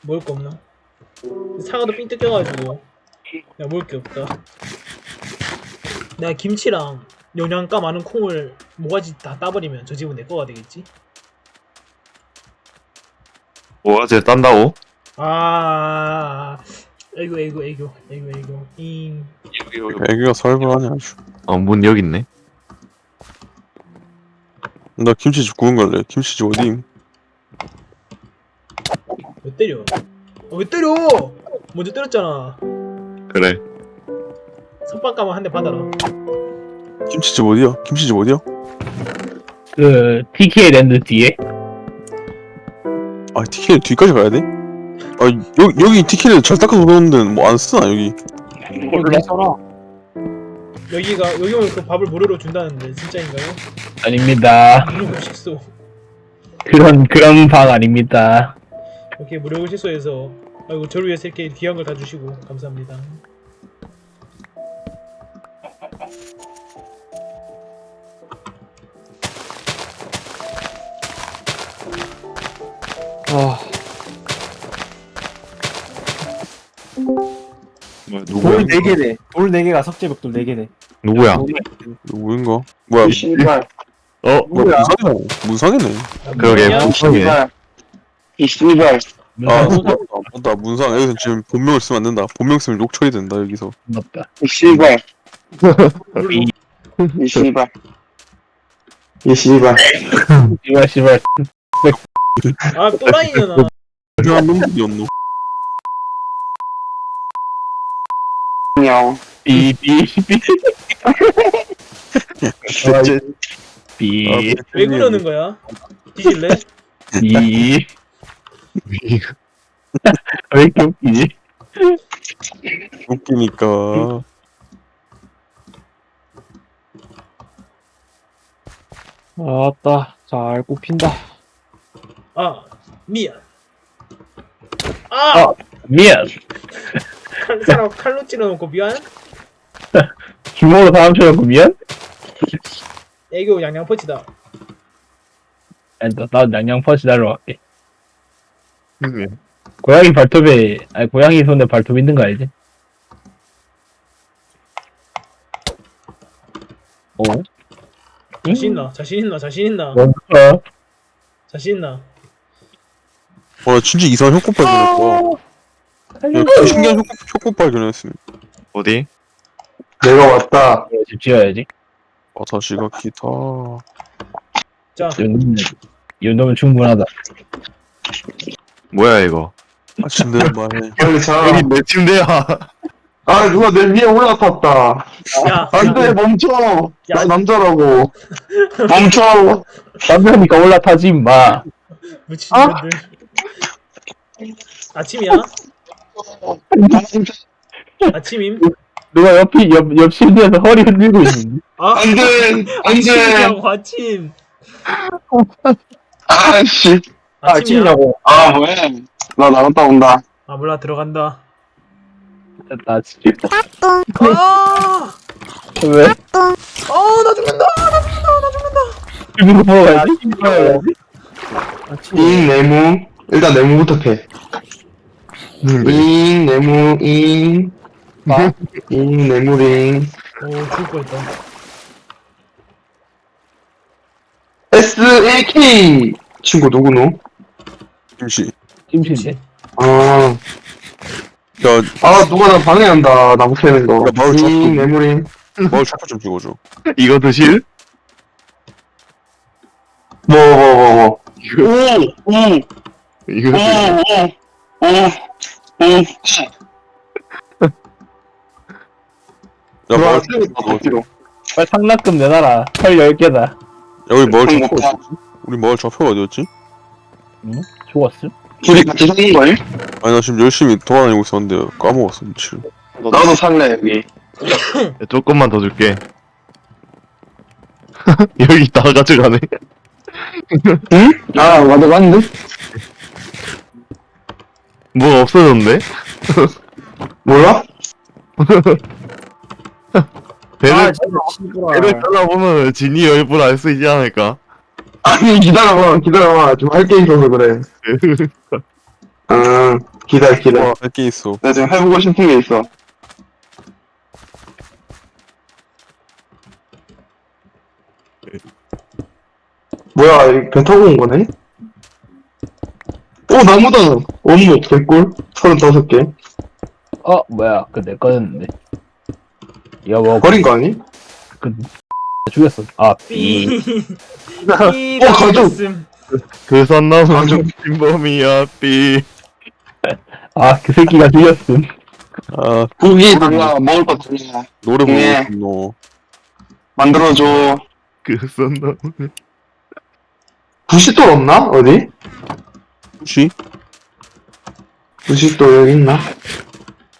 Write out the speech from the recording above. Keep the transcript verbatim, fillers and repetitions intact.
먹을 거 없나? 사과도 삥 뜯겨가지고 야 먹을 게 없다. 내가 김치랑 영양가 많은 콩을 모가지 다 따버리면 저 집은 내 거가 되겠지? 뭐가지 딴다고? 아, 에이구 에이구 에이구 에이구 에이구 잉. 여기 여기. 애기가 살벌하냐 아주. 어문 여기 있네. 나 김치집 구운 갈래. 김치집 어디임? 왜 때려? 어, 왜 때려? 먼저 때렸잖아. 그래. 선빵 한 대 받아라. 김치집 어디야? 김치집 어디야? 그 티케이 랜드 뒤에. 아 티켓 뒤까지 가야 돼? 아 여기 여기 티켓을 잘 닦아서 놓는데 뭐 안 쓰나 여기? 몰라. 여기가 여기 오면 그 밥을 무료로 준다는데 진짜인가요? 아닙니다. 무료 식소. 그런 그런 방 아닙니다. 이렇게 무료 식소에서 아이고 저를 위해서 이렇게 귀한 걸 다 주시고 감사합니다. 아 뭐 누구야? 돌 네 개네. 돌 네 개가 석재벽돌 네 개네. 누구야? 누구인가? 뭐야? 씨발. 어? 뭐야? 문상이네. 문상이네. 아, 그러게 뭐냐? 문상이네. 이 씨발. 아 맞다 맞다 문상. 여기서 지금 본명을 쓰면 안 된다. 본명 쓰면 욕 처리 된다 여기서. 맞다. 이 씨발. 이 씨발. 이 씨발. 씨발 씨발. 아 또라이잖아. 중요한 놈들이었노. 냥. 삐삐삐 셋째. 삐. 왜 그러는 거야? 뒤질래? 삐. 왜 이렇게 웃기지? 웃기니까. 아따. 잘 꼽힌다. 아 미안. 아 어. 미안. 칼, 사람 칼로 찔러놓고 미안. 주먹으로 사람 쳐놓고 미안? 애교 양양 펀치다. 아니 나, 나 양양 퍼시 달러 갈게. 그게. 고양이 발톱에 아니 고양이 손에 발톱 있는 거 알지? 어? 자신 있나? 자신 있나? 자신 있나? 뭔가 자신 있나? 와 진짜 이상한 효과 발견했다. 야, 그 신기한 효과, 효과 발견했음. 어디? 내가 왔다. 집 지어야지. 와타시가 기타. 자 이 정도면 이 정도면 충분하다. 뭐야 이거? 아침내 말해. 빨리 자. 여기 내 침대야. 아 누가 내 위에 올라탔다. 야, 안돼 야, 멈춰. 야. 나 남자라고. 멈춰. 남자니까 올라타지 임마. 미친 년들. 아침이야? 아침임? 누가 옆이 옆, 옆 침대에서 허리 흔들고 있는데. 아 안돼 안돼. 아침이라고 아침. 아씨. 아침이야? 아 뭐해? 나 나갔다 온다. 아 몰라 들어간다. 나 진짜. 아, 왜? 아나 죽는다. 나 죽는다. 나 죽는다. 이거 보러 가야지. 잉 네모. 일단 네모부터 패. 잉 네모 잉. 잉 네모링. 오 죽을 뻔했다. 에스 일 케이 친구 누구노? 김씨. 김치인데. 아, 야, 아 누가 나 방해한다. 나무 캐는 거. 야, 마을 잉 잡고. 네모링. 마을 촛불 좀 찍어줘. 이거 드실? 뭐 뭐 뭐 뭐. 이거 오 오. 이거 드실? 오오오오. 야, 마을 들어와 촛불 찍어줘. 뒤로. 빨리 상납금 내놔라. 털 열 개다. 여기 마을 응, 좌표가 없다. 어디였지? 우리 마을 좌표가 어디였지? 죽었어? 둘이 같이 사는 거임? 아니 나 지금 열심히 돌아다니고 있었는데 까먹었어 미칠. 나도 살래 여기. 야, 조금만 더 줄게. 여기 다 가져가네. 응? 아 맞아 맞는데? 뭐 없어졌네? 몰라? 배를, 진짜 배를 잘라보면 진이 열불 알 수 있지 않을까? 아니 기다려봐 기다려봐 좀 할 게 있어서 그래. 응, 기다려, 기다려. 와, 몇 개 있어. 나 지금 해보고 싶은 게 있어. 뭐야, 이배 타고 온 거네? 오, 나무다! 원목, 개꿀? 서른다섯 개. 어 뭐야 그 내 거였는데. 이거 뭐 버린 거 아니? 그 죽였어. 아 삐. 어, 삐가 가족! 있음. 그 선 넘은 아주- 김범이야 삐. 아, 그 새끼가 죽였음. 아, 고기 달라, 먹을 거 달라. 노래 예. 부르고 너. 만들어줘. 그 선 넘은. 부싯돌 없나? 어디? 혹시? 부싯돌 여기 있나?